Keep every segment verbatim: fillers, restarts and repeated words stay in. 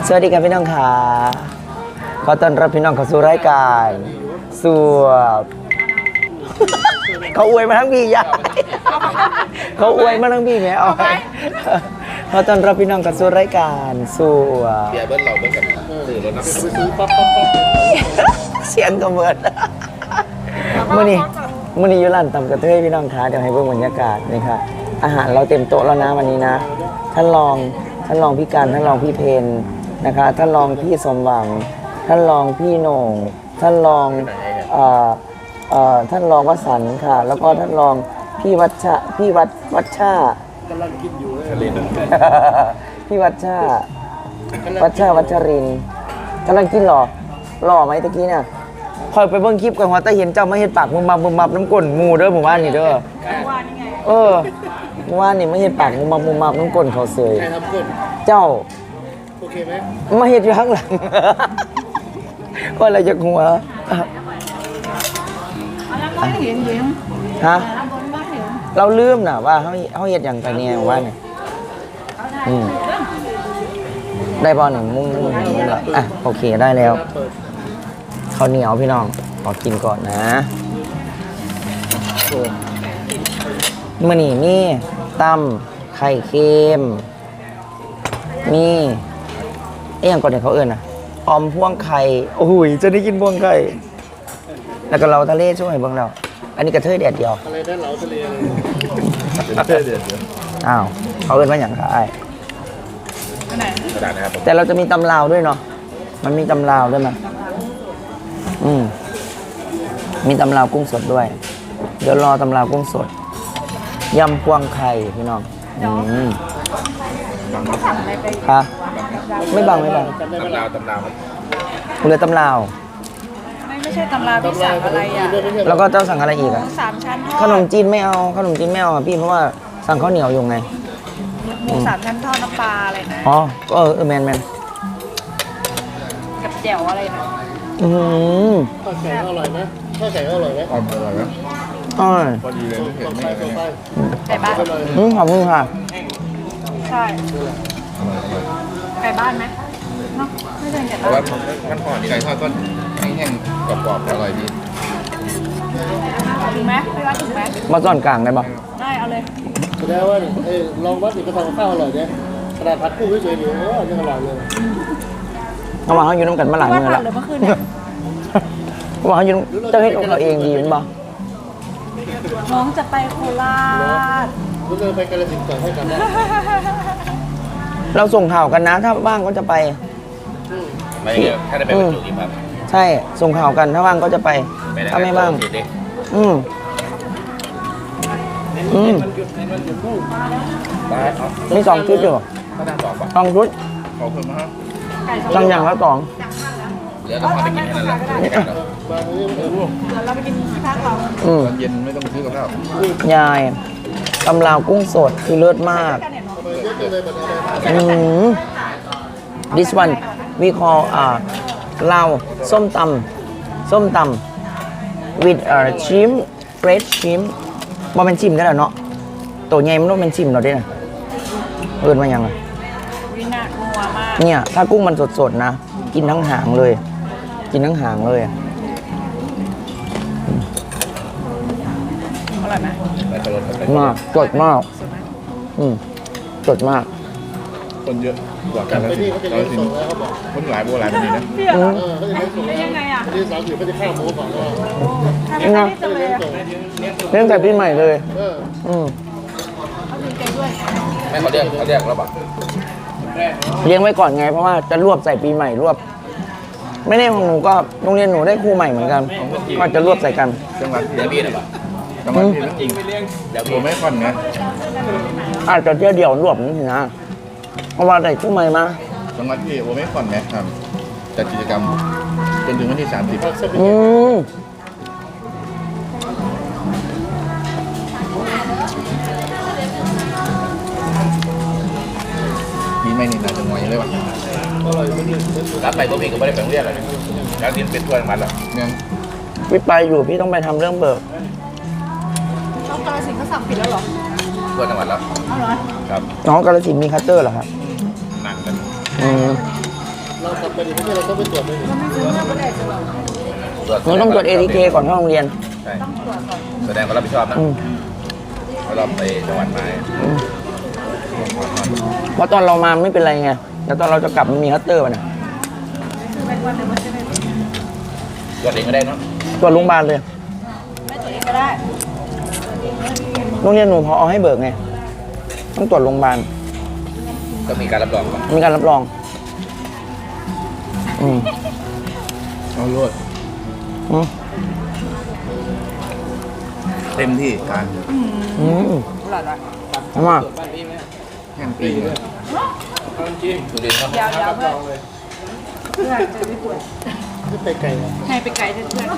สวัสดีครับพี่น้องค่ะขอต้อนรับพี่น้องเข้าสู่รายการสวบเขาอวยมาทั้งพี่ยายเขาอวยมาทั้งพี่แม่เอาไปขอต้อนรับพี่น้องเข้าสู่รายการสวบเบียร์เบิ้ลเราเบิ้ลกับสื่อรถนะไปซื้อป๊อปป๊อปป๊อปเสียงกระเบิดมื่อนี้มื่อนี้อยู่ร้านตำกระเทยพี่น้องคะเดี๋ยวให้เบิ่งบรรยากาศนี่ค่ะอาหารเราเต็มโต๊ะแล้วนะวันนี้นะท่านรองท่านรองพี่กันท่านรองพี่เพนนะคะท่านรองพี่สมหวังท่านรองพี่โหน่งท่านรองเอ่อเอ่อท่านรองวสันต์ค่ะแล้วก็ท่านรองพี่วัชชะพี่วัดวัชชากำลังกินอยู่เลยพี่วัชชาวัชชาวัชรินกำลังกินหรอหล่อไหมตะกี้เนี่ยคอยไปเบิ่งคลิปกันว่าแต่เห็นเจ้ามาเห็นปากมุมมับมุมมับน้ำก้นมูเด้อหมู่บ้านนี่เด้อเออหมู่บ้านนี่ไม่เห็นปากมุมมับมุมมับน้ำก้นเขาเสยเจ้าโอเคไหมมาเห็นอยู่ข้างหลังก็อะไรจากหัวฮะเราลืมนะว่าเขาเขาเห็นอย่างไรเนี่ยหมู่บ้านนี่อืมได้บอลหนึ่งมุ้งมุ้งมุ้งละอ่ะโอเคได้แล้วข้าวเหนียวพี่น้องขอกินก่อนนะมื่อนี่มีตำไข่เค็มมีไอ้ยังก่อนเนี่ยเขาเอิ้นอ่ะออมพ่วงไข่โอ้ยจะได้กินพ่วงไข่แล้วก็เราทะเลช่วยเบิ่งเราอันนี้กระเทยแดดเดียวอะไรได้เราทะเลเลยกระเทยแดดเดียวอ้าวเขาเอิ้นว่าอย่างไรแต่เราจะมีตำลาวด้วยเนาะมันมีตำลาวด้วยมั้ยอืมมีตำลาวกุ้งสดด้วยเดี๋ยวรอตำลาวกุ้งสดยำพวงไข่พี่น้องอืมค่ะไม่บังไม่บังตำลาวตำลาวเรือตำลาวไม่ไม่ใช่ตำลาวพี่สั่งอะไรอ่ะแล้วก็เจ้าสั่งอะไรอีกอ่ะสามชั้นทอดขนมจีนไม่เอาขนมจีนไม่เอาอ่ะพี่เพราะว่าสั่งข้าวเหนียวอยู่ไงหมูสามชั้นทอดน้ำปลาอะไรนะอ๋อเออเออแมนแมนกับแจ่วอะไรนะอืมข้าวแกงอร่อยไหมข้าวแกงอร่อยไหมอร่อยไหมอร่อยพอดีเลยเห็นไหมไก่บ้านอืมขอบคุณค่ะใช่ไก่บ้านไหมเนาะไม่ใช่ไก่บ้านว่าขั้นตอนไก่ทอดก็แห้งๆกรอบๆอร่อยดีถึงไหมไม่ว่าถึงไหมมาซ่อนกลางได้ปะได้เอาเลยแสดงว่าเอ้ลองวัดอีกก็ทำข้าวอร่อยเนี่ยขนาดผัดกุ้งเฉยๆอยู่โอ้ยังอร่อยเลยระหว่างเขาอยู่น้ำกันมาหลายมื้อแล้วระหว่างเขาอยู่เจ้าเฮ็ดของเราเองดีมั้ยบ่น้องจะไปโคราชคุณเลยไปกาฬสินธุ์ก่อนให้กันได้เราส่งข่าวกันนะถ้าว่างก็จะไปไม่เกี่ยวถ้าได้ไปบรรจุที่พักใช่ส่งข่าวกันถ้าว่างก็จะไปถ้าไม่ว่างอืมอืมมีสองชุดอยู่สองชุดขอบคุณมากสั่งอย่างละสองเดี๋ยวเราพาไปกินให้นั่นแหละเดี๋ยวเราไปกินที่พักเราอืมตอนเย็นไม่ต้องซื้อกับข้าวยายตำลาวกุ้งสดคือเลิศมากอืม this one we call อ่าลาวส้มตำส้มตำ with อ่า shrimp fresh shrimp บ่เป็นชิมได้แล้วเนาะตัวใหญ่มันต้องเป็นชิมเราด้วยนะเอิ้นว่ายังไงวินาทัวมากเนี่ยถ้ากุ้งมันสดๆนะกินทั้งหางเลยกินทั้งหางเลยอร่อยไหมมากสดมากอืมสดมากคนเยอะกว่ากันแล้วสิเราสิคนหลายโบราณแบบนี้นะเออเขาจะไม่ส่งแล้วยังไงอ่ะที่สาวถือเขาจะข้ามโม้ก่อนว่านี่นะเรื่องแต่ปีใหม่เลยอืมไม่เขาเรียกเขาเรียกแล้วปะเลี้ยงไว้ก่อนไงเพราะว่าจะรวบใส่ปีใหม่รวบไม่ได้ของหนูก็โรงเรียนหนูได้ครูใหม่เหมือนกันก็จะรวบใส่กันจังหวัดเดียวพี่นะปะจังหวัดพี่จริงเดี๋ยวผมไม่ค่อนนะอาจจะเที่ยวเดียวรวบนี่สินะเพราะว่าได้ครูใหม่มาจังหวัดพี่โอไม่ค่อนนะทำจัดกิจกรรมจนถึงวันที่สามสิบอืมมีไม่นี่นะจังหวัดยังเลยวะรับไปก็มีก็ไม่ได้ไปโรงเรียนอะไรแล้วที่เป็นตัวมันละเนี่ยพี่ไปอยู่พี่ต้องไปทำเรื่องเบิกน้องกาฬสินธุ์เขาสั่งผิดแล้วหรอตัวจังหวัดแล้วเอาเหรอครับน้องกาฬสินธุ์มีคัตเตอร์เหรอครับหนักกันอืมดีไม่ใช่เราต้องไปตรวจเลยก็ไม่ซื้อเมื่อไม่ได้จะบอกหนูต้องตรวจ เอ ที เค ก่อนเข้าโรงเรียนใช่ต้องตรวจก่อนแสดงความรับผิดชอบนะอืมเพราะเราไปจังหวัดมาเพราะตอนเรามาไม่เป็นไรไง แต่ตอนเราจะกลับมันมีฮัตเตอร์ป่ะเนี่ยเป็นวันเดียวมันจะไม่ตรวจเองก็ได้เนาะตรวจโรงพยาบาลเลยไม่ตัวเองก็ได้โรงเรียนหนูพอเอาให้เบิกไง ต้องตรวจโรงพยาบาลก็มีการรับรองก่อนมีการรับรอง อืมเอาโลดอืมเต็มที่การอืมหลอดอ่ะทำไมาแห่งปีเลยสุรินทร์ครับยาวๆเพื่อนเพื่อนจะไม่ปวดไม่ไปไกลนะให้ไปไกลเพื่อน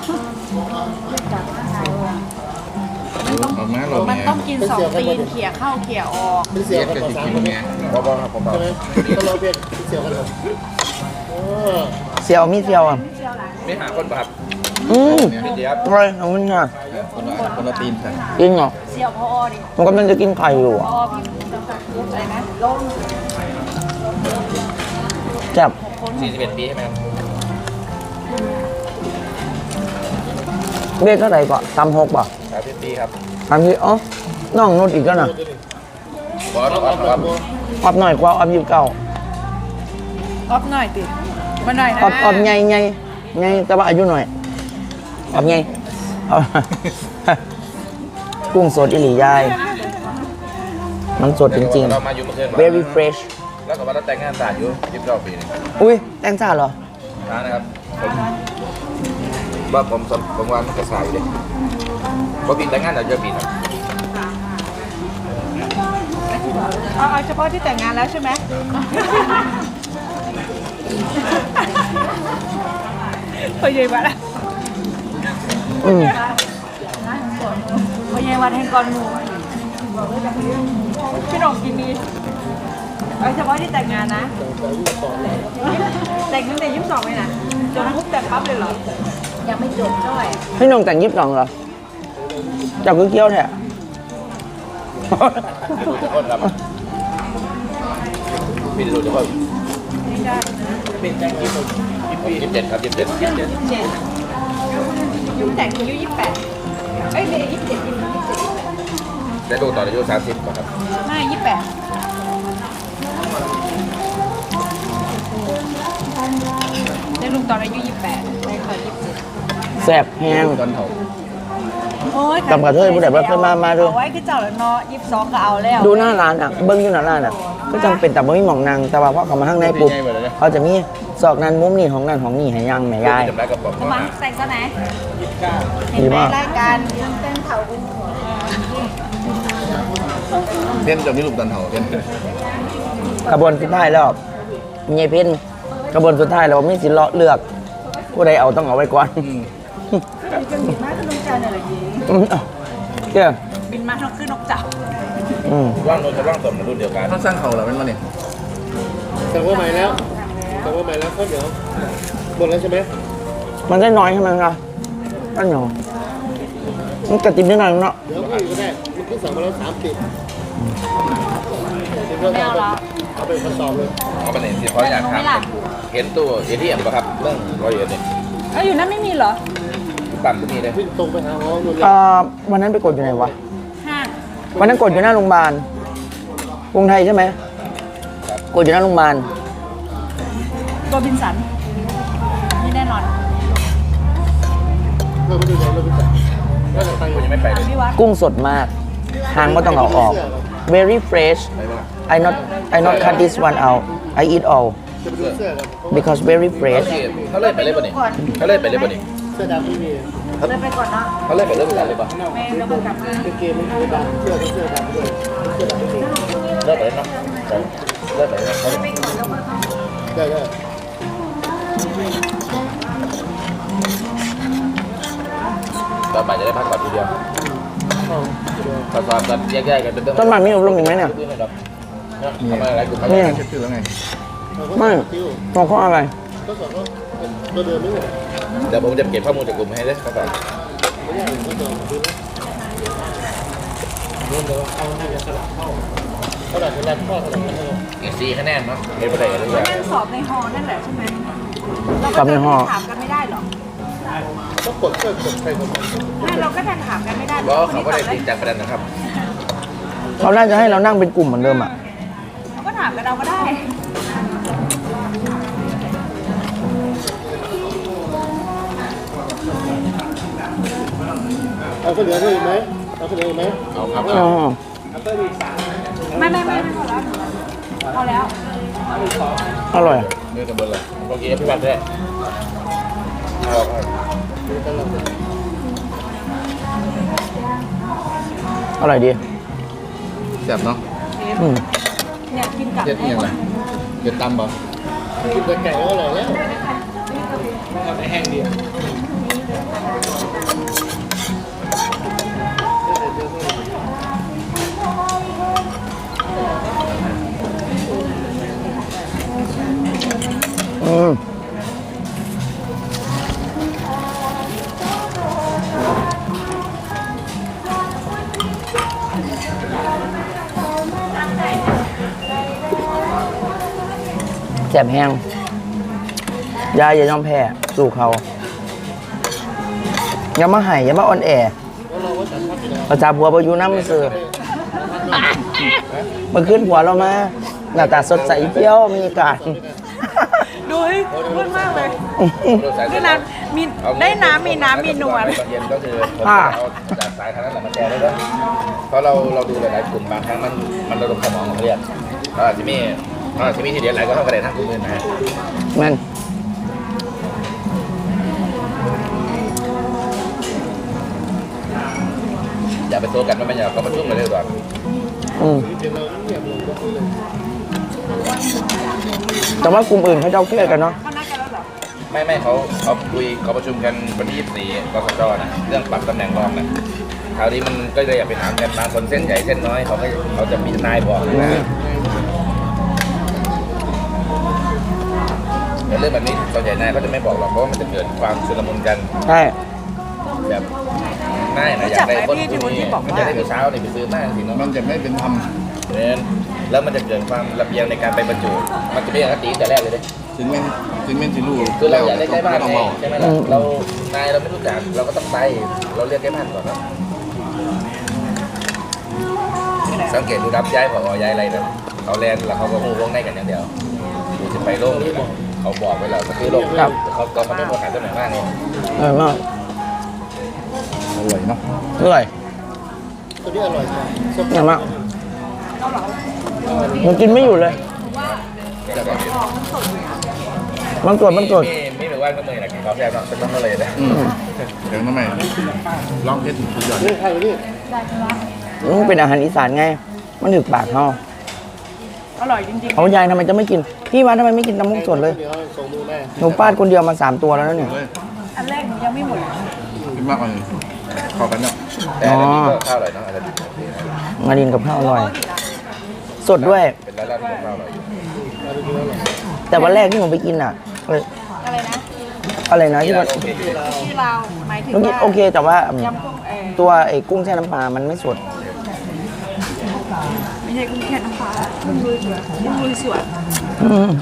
เอามาเรามันเนี่ยต้องกินสองตีนเขี่ยเข้าเขี่ยออกเป็นเสีเสียยวกันกับต่อสิสามกินคนเมียเบาๆครับเบาใช่ไหมก็เราเรียนเสียวกันเหรอโอ้เซียวมีเซียวอ่ะๆไม่หาคนป่ะครับอืมพี่เจี๊ยบอร่อยขอบคุณค่ะคนละคนละตีนค่ะจริงเหรอเสี่ยวพอดิมันกำลังจะกินไข่อยู่พอ่ะอพี่อะไรนะลงแซ่บสี่สิบเอ็ดปีใช่ไหมครับเบี้ยเท่าไหร่ก่อนตำหกป่ะสามสิบปีครับตำที่อ๋อน้องนุดอีกแล้วนะบอสครับครับออบหน่อยกว่าออบยี่สิบเก้าออฟหน่อยติมาหน่อยนะออบออบใหญ่ใหญ่ใหญ่แต่ว่าอายุหน่อยออบใหญ่ออบ กุ้งสดอิหลียาย มันสดจริงเรามาอยู่เมื่อคืนๆ very fresh แล้วก็ว่าเราแต่งงานศาสตร์อยู่ยี่สิบเก้าปีนี่อุ้ยแตงจ่าเหรอนะนะครับผมว่าผมสมผมว่ามันก็สายเลยเพราะปีแต่งงานเราเจอปีนะเอาเอาเฉพาะที่แต่งงานแล้วใช่ไหมพอเยวัดอะอืมพอเยวัดแห่งกอนหมูพี่หน่องกินดีเอาเฉพาะที่แต่งงานนะ แต่งตั้งแต่ยี่สิบสองเลยนะจนปุ๊บแต่งปั๊บเลยเหรอ ยังไม่จบด้วยพี่นงแต่งยิบสองเหรอจับคือเกี้ยวแท้ดูทุกคนครับมีดูทุกคนไม่ได้ยี่สิบเจ็ดครับยี่สิบเจ็ดยี่สิบเจ็ดเจ็ดยุ่งแต่งอายุยี่สิบแปดเอ้ยไม่ยี่สิบเจ็ดยี่สิบเจ็ดได้ดูตอนอายุสามสิบครับไม่ยี่สิบแปดได้ลูกตอนอายุยี่สิบแปดได้ค่ะยี่สิบเจ็ดแซ่บแห้งตอนเท่าโอ้ยตำกระเทยผู้ใดบ่เคยมามาดูเอาไว้คือเจ้าแล้วเนาะยี่สิบสองก็เอาแล้วดูหน้าร้านอ่ะ เบิ้งอยู่หน้าร้านอ่ะ ก็จังเป็นแต่บ่มีหมองนางแต่ว่าพอเขามาข้างในปุ๊บเขาจะมีซอกนั้นมุมนี่ของนั่นของนี่ให้ยังแม่ยายจำได้กับผมมาแต่งซะไหนดีเห็นไหมมากรายการเต้นเผาอุ้มหัวเล่นจะมีลูกตอนเท่าเล่นขบวนสุดท้ายแล้วมีเพ่นขบวนสุดท้ายแล้วมีสิเลาะเลือก ผู้ใดเอาต้องเอาไว้ก่อนจะบินมาขึ้นนกเจ้าเนี่ยเหรอยีอืมเอาเจ้าบินมาต้องขึ้นนกเจ้าอืมว่างนนท์กับว่างสมรุ่นเดียวกันถ้าสร้างเขาแล้วมันมาเนี่ยแต่ว่าใหม่แล้วแต่ว่าใหม่แล้วก็เดี๋ยวหมดแล้วใช่ไหมมันได้น้อยใช่ไหมครับอันหนอมันกระติบนิดหน่อยเนาะเดี๋ยวก็อยู่ก็ได้มันขึ้นสองมาแล้วสามสิบเดี๋ยวเราเอาเอาไปทดสอบเลยเอาไปไหนที่เขาอยากทำเห็นตัวเอทีเอ็มป่ะครับเรื่องร้อยเอ็ดเนี่ยเอ้ยอยู่นั่นไม่มีเหรอปั๊มก็มีเลยวิ่งตรงไปหาหมอนู่นเลยเอ่อวันนั้นไปกดอยู่ไหนวะห้างวันนั้นกดอยู่หน้าโรงพยาบาลกรุงไทยใช่ไหมกดอยู่หน้าโรงพยาบาลโรบินสันนี่แน่นอนเราไปดูไหนเราไปจับเราจะไปผมยังไม่ไปเลยพี่วัดกุ้งสดมากหางไม่ต้องเอาออก very fresh ไปบ้าง I not I not cut this one out I eat all จะไปดูเสื้อกัน because very เขา fresh เขาเล่นไปเลยป่ะนี่เขาเล่นไปเลยป่ะนี่เสื้อดำไม่มีเลยไปก่อนเนาะเขาเล่นไปเรื่องอะไรเลยป่ะแม่แล้วก็กลับมาเป็นเกมมันคือดำเสื้อก็เสื้อดำด้วยเสื้อดำไม่มีเลิกไปเลยเนาะเลิกไปเลยเขาได้ได้ตอนบ่ายจะได้พักก่อนทีเดียวเข้าเดี๋ยวตอนตอนกันแยกๆกันเป็นเรื่องต้นไม้มีอบรมอีกไหมเนี่ยทำอะไรกลุ่มนี่เช็ดชื่อแล้วไงเราก็ไม่ติ้วมองเขาอะไรก็สอบก็ตัวเดิมไม่หมดเดี๋ยวผมจะเก็บข้อมูลจากกลุ่มให้เลยครับไม่ได้ก็สอบดูนะเริ่มเลยว่าเอาให้สลับเข้าเขาดัดเวลาข้อสลับกันเลยอีกสี่คะแนนเนาะเก็บไปได้กันเลยนั่งสอบในฮอนั่นแหละใช่ไหมเรากลัก็บในจะห่อถามกันไม่ได้หรอก็กดเพื่อกดใครกดมันไม่เราก็จะถามกันไม่ได้เพราะเขาก็ได้จริงจังประเด็นนะครับเขาน่าจะให้เรานั่งเป็นกลุ่มเหมือนเดิมอ่ะเราก็ถามกันเราก็ได้เอาข้าวเหนียวด้วยไหมเอาข้าวเหนียวไหมเอาครับอ๋อไม่ไม่ไม่พอแล้วพอแล้วอร่อยเนื้อกันเบอร์เลยเมื่อกี้พี่วันด้วยเอาครับอร่อยดีแซ่บเนาะอืมเนี่ยกินกับเจ็ดยังไงเจ็ดตำบ่กินแต่ไก่ก็อร่อยแล้วทำให้แห้งดีอืมแสบแห้งยายอย่ายอมแพ้สู่เขา อย่ามาไห่อย่ามาอ่อนแอประจาบัวบอยู่น้ำมือซื้อมาขึ้นหัวเรามาหน้าตาสดใสเที่ยวมีอากาศดูให้พูดมากเลยได้น้ำมีได้น้ำมีน้ำมีนวลตอนเย็นก็คือผมเอาจากสายทางนั้นแหละมาแชร์ได้ด้วยเพราะเราเราดูหลายๆกลุ่มบางครั้งมันมันระดมสมองของเรียนเราอาจจะมีเราอาจจะมีทีเดียวหลายก็เท่ากันเลยนะกลุ่มอื่นนะแมันอย่าไปโซกันว่าไม่อยากก็มาชุ่มกันเลยก่อนอืมเดี๋ยวเราเงียบลงก็คือเลยแต่ว่ากลุ่มอื่นเขาจะเอาเครียดกันเนาะเขานัดกันแล้วเหรอไม่ไม่เขาเขาคุยเขาประชุมกันวันที่ยี่สิบสี่กสจนะเรื่องปรับตำแหน่งรองนะคราวนี้มันก็เลยอยากไปถามกันบางคนเส้นใหญ่เส้นน้อยเขาก็เขาจะมีนายบอกนะแต่เรื่องแบบนี้ส่วนใหญ่นายเขาจะไม่บอกหรอกเพราะว่ามันจะเกิดความชุลมุนกันใช่แบบนายนะอยากได้คนคนนี้มันจะได้ไปเช้าเนี่ยไปซื้อมากสิเนาะมันจะไม่เป็นธรรมเนี่ยแล้วมันจะเกิดความระเบียงในการไปบรรจุมันจะไม่อย่างตีแต่แรกเลยเด้ถึงแม่นถึงแม่นสิรู้คือเราอยากได้ใกล้บ้านต้องไงเมาใช่ไหมล่ะเรานายเราไม่รู้จักเราก็ต้องไปเราเรียกใกล้บ้านก่อนนะสังเกตดูรับย้ายผอย้ายอะไรแบบเขาแลนแล้วเขาก็หูวงในกันอย่างเดียวดูจะไปโล่งนี่เขาบอกไว้แล้วก็คือโล่งเขาตอนเขาไม่ประกาศตำแหน่งมากเนี่ยอร่อยมากอร่อยเนาะอร่อยตัวนี้อร่อยกว่าอร่อยมากมันกินไม่อยู่เลยแต่ก็มันกดมันกดมีมีแบบว่าก็เลยนะกินข้าวแซ่บเนาะเป็นต้องก็เลยนะอืมเดี๋ยวน้ำใหม่ลองเพชรสุดยอดนี่ใครนี่มันเป็นอาหารอีสานไง มันถึกปากเขาอร่อยจริงเขายายทำไมจะไม่กิน พี่มาทำไมไม่กินน้ำมุกสดเลยเดี๋ยวส่งมือแม่หนูปาดคนเดียวมาสามตัวแล้วนะเนี่ยเลยๆ อันแรกหนูยังไม่หมดกินมากกว่านี้เข้ากันเนาะแต่อันนี้ก็ข้าวอร่อยเนาะอะไรดีมาดินกับข้าวอร่อย สดด้วยเป็นร้านร้านกับข้าวอร่อยอยู่มาดูแล้วหรอแต่วันแรกที่ผมไปกินอ่ะเอ้ยอะไรนะอะไรนะที่มันโอเคที่เราหมายถึงเมื่อกี้ว่าโอเค แต่ว่าอืมยำกุ้งเออตัวไอ้กุ้งแช่น้ำปลา มันไม่สดไม่ใช่กุ้งแค่น้ำปลากุ้งลุยสวนกุ้งลุยสวนอืม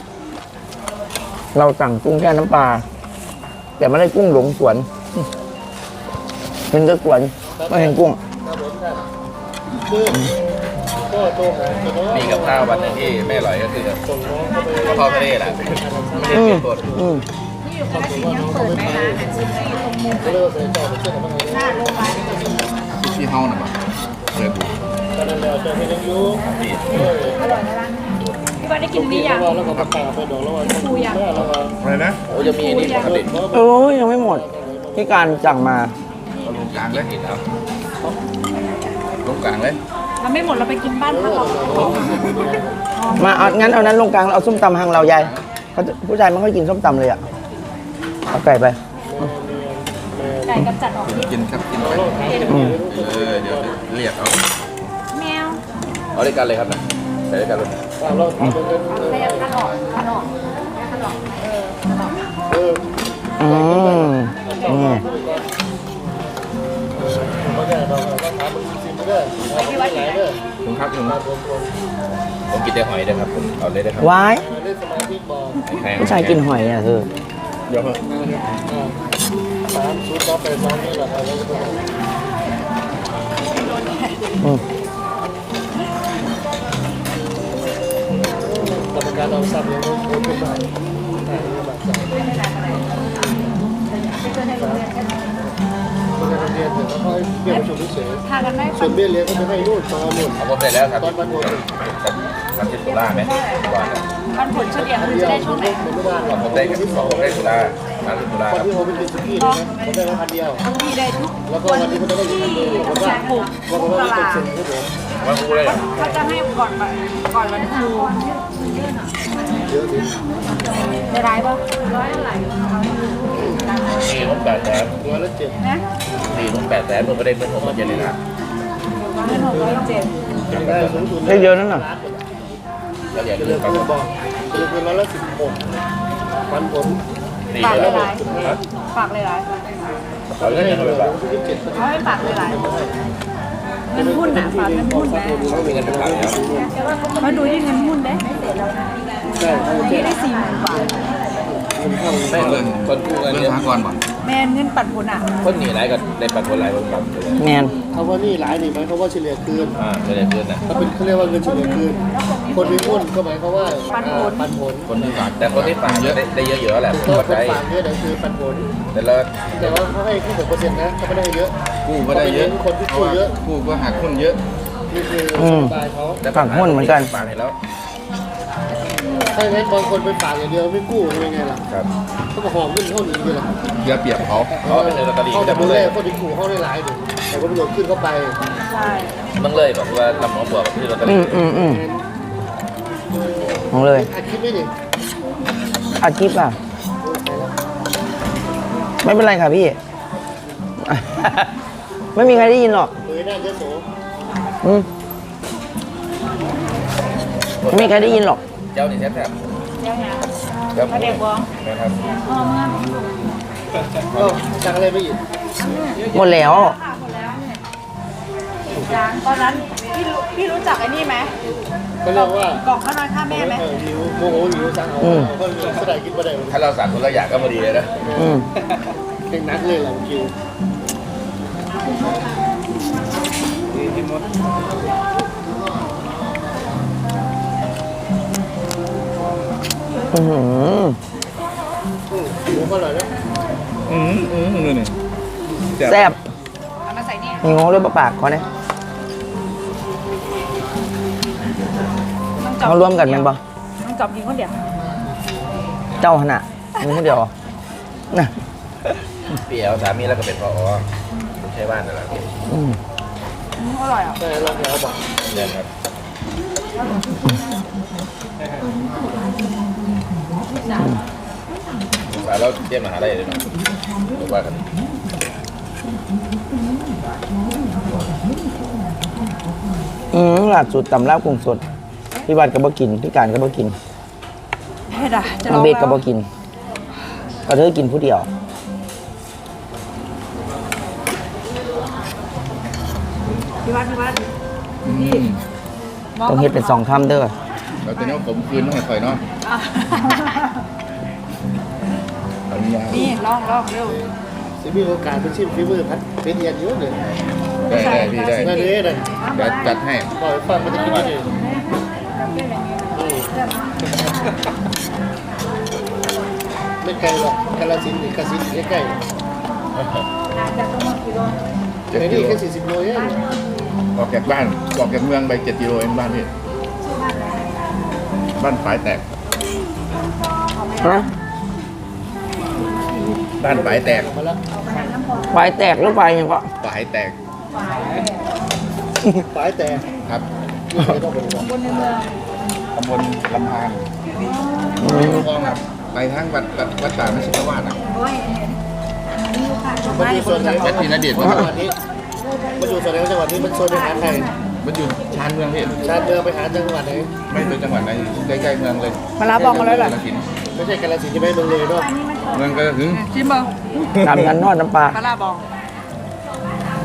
เราสั่งกุ้งแช่น้ำปลา แต่ไม่ได้กุ้งหลงสวนอืมเป็นแต่สวนไม่เห็นกุ้งครับผมครับคือก็โตหาแต่ว่ามีกับข้าววันหนึงที่ไม่อร่อยก็คือส่งน้องเข้าไปกะเพราทะเลแหละไม่ได้เปอืลี่มยนบทอืมที่อยู่กาฬสินธุ์ยังเปิดไหมนะซิมไอ้ตรงมุมก็เลิกใส่ต่อไปเชื่อกันบ้างหน้าโรงพยาบาลที่เฮาน่ะบ่เปิดดูตอนนั้นเราจะไม่ยังยุ่งอร่อยนะร้านพี่ว่าได้กินนี่ยังแล้วก็มาขาไปดอกแล้วว่าแล้วก็อะไรนะโอ้จะมีนี่ปกติโอ้ยยังไม่หมด ที่การสั่งมาเอาลงกลางเลยกินครับลงกลางเลยเราไม่หมดเราไปกินบ้านพักเรามาเอางั้นเอานั้นลงกลางแล้วเอาส้มตำทางเรายายเขาจะผู้ชายไม่ค่อยกินส้มตำเลยอ่ะ เอาไก่ไปไก่กำจัดออกพิษกินครับกินไปอืมเออเดี๋ยวเรียกเอาแมวเอาด้วยกันเลยครับนะใส่ด้วยกันเลยเราทำเป็นพยายามคัดออกคัดออกคัดออกเออคัดออกเอออืมอืมเขาแก่เราเราทำเป็นซิมเด้อเอาไปไหนเด้อผมครับผมมาผมผมผมกินแต่หอยนะครับผมเอาเลยได้ครับวายเล่นสมาธิพริกบอกผู้ชายกินหอยอ่ะเธอเดี๋ยวเถอะสามศูนย์สองแปดสองนี่แหละครับอืมกรรมการเอาซับยังไม่เป็นไรแต่ยังแบบสั่งไม่ได้เรียนแต่แล้วก็เบี้ยประชุมเฉยทานกันได้ส่วนเบี้ยเลี้ยงก็จะให้นู่นตอนนู่นเอาหมดไปแล้วครับตอนวันโอนสามสิบตุลาไหมก่อนวันผลเฉลี่ยคือจะได้ช่วงไหนมันไม่ได้หรอกผมได้ที่สองผมได้ตุลาสามสิบตุลาวันครับที่ผมไปกินสุกี้นะผมได้มาพันเดียวมีได้ทุกแล้วก็วันนี้เขาจะได้อีกพันเดียวผมว่าถูกว่าผมว่าเป็นเซ็นครับผมวันครูเลยเหรอเขาจะให้ก่อนวันก่อนวันครูเยอะดิได้ร้ายป่ะร้อยเท่าไหร่สี่นุ่มแปดแสนร้อยละเจ็ดนะสี่นุ่มแปดแสนผมก็ได้เงินผมมาเจ็ดเลยนะเงินหกร้อยเจ็ดได้สูงสุดได้เยอะนั่นน่ะแล้วอย่าจะลืเลือมกครับคือบอกจะเลือกคือร้อยละสิบหกพันผลสี่ฝากเลเลย ยเหรร้าอยฝากเลยร้ายเอาเงินให้ยังไงเลยบ้างยี่สิบเจ็ดเขาให้ฝากเลยร้ายเงินหุ้นนะฝากเงินหุ้นนะเขามีเงินเป็นหลักแล้วมาดูที่เงินหุ้นได้ใช่เขาวันจะนี้ได้สี่หมื่นกว่าเงินเข้าไม่เงินคนกู้เงินเรื่เยองอะสหกรณ์บ่แมนเงินปันผลอ่ะคนหนีไรก็ได้ปันผลไรบางบางแมนคำว่านี่หลายนี่หมายความว่าเฉลี่ยคืนอ่าจะได้เงินนะถ้าเป็นเขาเรียกว่าเงินเฉลี่ยคืนคนมีหุ้นก็หมายความว่าปันผลคนที่ฝากแต่คนที่ฝากเยอะได้เยอะๆแหละก็ปัจคนจัยฝากเยอะแต่คือปันผลแต่ละแต่ว่าเขาให้แค่หกเปอร์เซ็นต์นะเขาไม่ได้เยอะกู้ก็ได้เยอะคนที่กู้เยอะกู้ก็หักหุ้นเยอะนี่คือสบายเขาฝากหุ้นเหมือนกันฝากให้แล้วถ้าอย่างนั้นบางคนไปฝากอย่างเดียวไม่กู้ทำยังไงล่ะครับเขาก็หอมขึ้นเท่านี้เลยล่ะเสียเปรียบเขาเขาเป็นเงินลอตเตอรี่เขาจะจะมึดูงแลเลยคนที่กู้เขาได้หลายหนึ่งแต่คนที่หลงขึ้นเข้าไปใช่มึงเลยแบบว่าลำหมอบวกที่ลอตเตออืรี่มอืมอืมของเลยอัดคลิปไม่ดิอัดคลิปอ่ะ ไม่เป็นไรค่ะพี่ ไม่มีใครได้ยินหรอกเผยหน้าเยอะโสอืมไม่มีใครได้ยินหรอกเจ้านี่แซ่บครับเดี๋ยวนะเจ้ามาเด็กบ้องนะครับพ่อเมื่อก็จากอะไรไม่อีกหมดแล้วค่ะหมดแล้วเนี่ยจางตอนนั้นพี่รู้พี่รู้จักไอ้นี่ไหมก็เรียกว่ากล่องข้าวน้อยข้าแม่ไหมเออหิวโมโหหิวสั่งเอาอืมเขาก็ได้กินไม่ได้ถ้าเราสั่งคนละอย่างก็พอดีเลยนะอืมเก่งนักเลยหลังคิวอือหือหมูก็อร่อยนะอืมอืมนี่นี่แซ่บเอามาใส่นี่มีงงด้วยปะปากเขาเนี่ยต้องจับเขาร่วมกันแมันปะต้องจับกินคนเดียวเจ้าขนาดมีคนเดียวเหรอน่ะเปี่ยวสามีแล้วก็เป็นพอใช่บ้านนั่นแหละอืมอืมอร่อยอ่ะใช่เราแถวบอกเนี่ยครับสายเราเตรียมมหาลัยเลยเนาะหรือว่ากันอืมหลัดสุดตำลาบกุ้งสด พี่บัตรก็บ่กิน พี่การก็บ่กินเฮ็ดอ่ะจะลน้อองงเบสก็แล้วบ่กินก็เธอกินผู้เดียวพี่วัดพี่วัดอืมต้องเฮ็ดเป็นสองคำเด้อเราจะเนี้ยผมคืนต้องให้คอยเนาะอ่ะอันนี้นี่ลองลองเร็วสิมีโอกาสเป็นชิมฝีมือพัดเป็นเอียนเยอะเลยได้ได้พี่ได้นั่นเลยนะเดี๋ยวจัดให้ปล่อยฟังมันจะกินไม่ได้ไม่ไกลหรอกกาลสินธุ์หรือกาฬสินธุ์ใกล้ๆเจ็ดไอ้กินี่โลแค่สี่สิบโลเองออกจากบ้านออกจากเมืองไปเจ็ดกิโลเองบ้านพี่บ้านฝายแตกฮะบ้านฝายแตกมาแล้วไฟแตกหรือไฟยังก็ฝายแตกฝายแต่ครับนี่ไม่ต้องไปบอกบนในเมืองตำบลลำพานอืมคลองครับไปทั้งวัดวัดวัดป่าไม่ใช่วาดอ่ะมันอยู่ส่วนไหนแม่ทีนเดชน์จังหวัดนี้มันอยู่ส่วนไหนของจังหวัดนี้มันโซนไปหาใครมันอยู่ชานเมืองพี่ชาติเมืองไปหาจังหวัดไหนไม่เป็นจังหวัดไหนใกล้ๆเมืองเลยมาลาบอกมาแล้วเหรอกาฬสินธุ์ไม่ใช่กาฬสินธุ์ใช่ไหมเมืองเลยเนาะเมืองก็ถึงชิมเบอร์ตำนั้นทอดน้ำปลามาลาบอก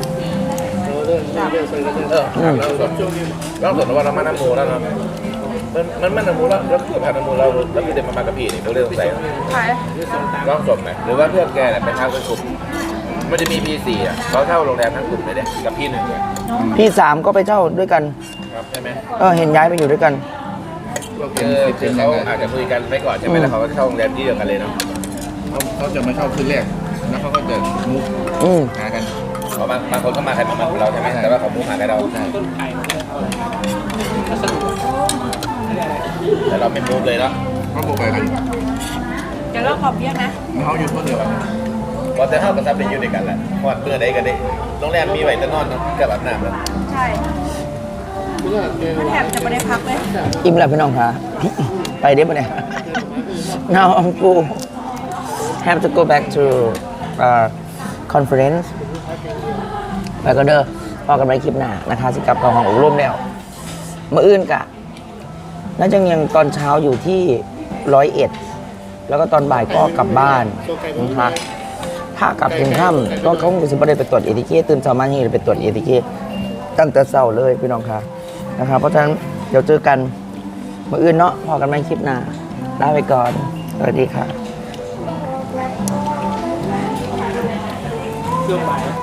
เออเรื่องเรื่องเรื่องใส่กันเรื่องเออแล้วสดแล้วสดว่าเรามาน้ำโมแล้วเนาะมันมันมันน้ำมูลแล้วแล้วคือผ่านน้ำมูลเราแล้วคือเดินมามากับพี่นี่เราเรื่องสงสัยใช่ร่องศพไหมหรือว่าเพื่อนแกเนี่ยเป็นทางเป็นกลุ่มมันจะมีพีสี่อ่ะเขาเช่าโรงแรมทั้งกลุ่มเลยเนี่ยกับพี่หนึ่งเนี่ยพี่สามก็ไปเช่าด้วยกันครับใช่ไหมเออเห็นย้ายไปอยู่ด้วยกันก็เป็คืนอสิบคือเป็นยัเขางไงอาจจะคุยกันไปก่อนใช่ไหมแล้วเขาก็เช่าโรงแรมที่เดียวกันเลยเนาะเขาเขาจะมาเช่าคืนแรกแล้วเขาก็จะมุกอืมหากันเพราะบางบางคนก็มาใครมามันเราใช่ไหมแต่ว่าเขามุ่งหาใครเราใช่แต่เราไม่มุ่งเลยเนาะเขาโบกไปกันเดี๋ยวเราขอเบี้ยนะเขาอยู่คนเดียวกันพอแต่เท่ากับซับเป็นอยู่ด้วยกันแหละพอดเมื่อใดกันได้โรงแรมมีไว้แต่นอนกับอาบน้ำแล้วใช่มันแถบจะไม่ได้พักเลยอิ่มแล้วพี่น้องคะไปได้ปะเนี่ย now I'm full have to go back to uh, conference ไปก็เด้อพอกันไปคลิปหน้านะคะสิกลับกับห้องอบรมแล้วมาอื่นกะน่าจะยังตอนเช้าอยู่ที่ร้อยเอ็ดแล้วก็ตอนบ่ายก็กลับบ้านนะคะถ้ากลับถึงค่ำก็เขาคงจะไม่ได้ไปตรวจเอทีเคตื่นเช้ามาที่ไปตรวจเอทีเคตั้งแต่เช้าเลยพี่น้องคะนะครับเพราะฉะนั้นเดี๋ยวเจอกันมาอื่นเนาะพอกันไปคลิปหน้าลาไปก่อนสวัสดีค่ะ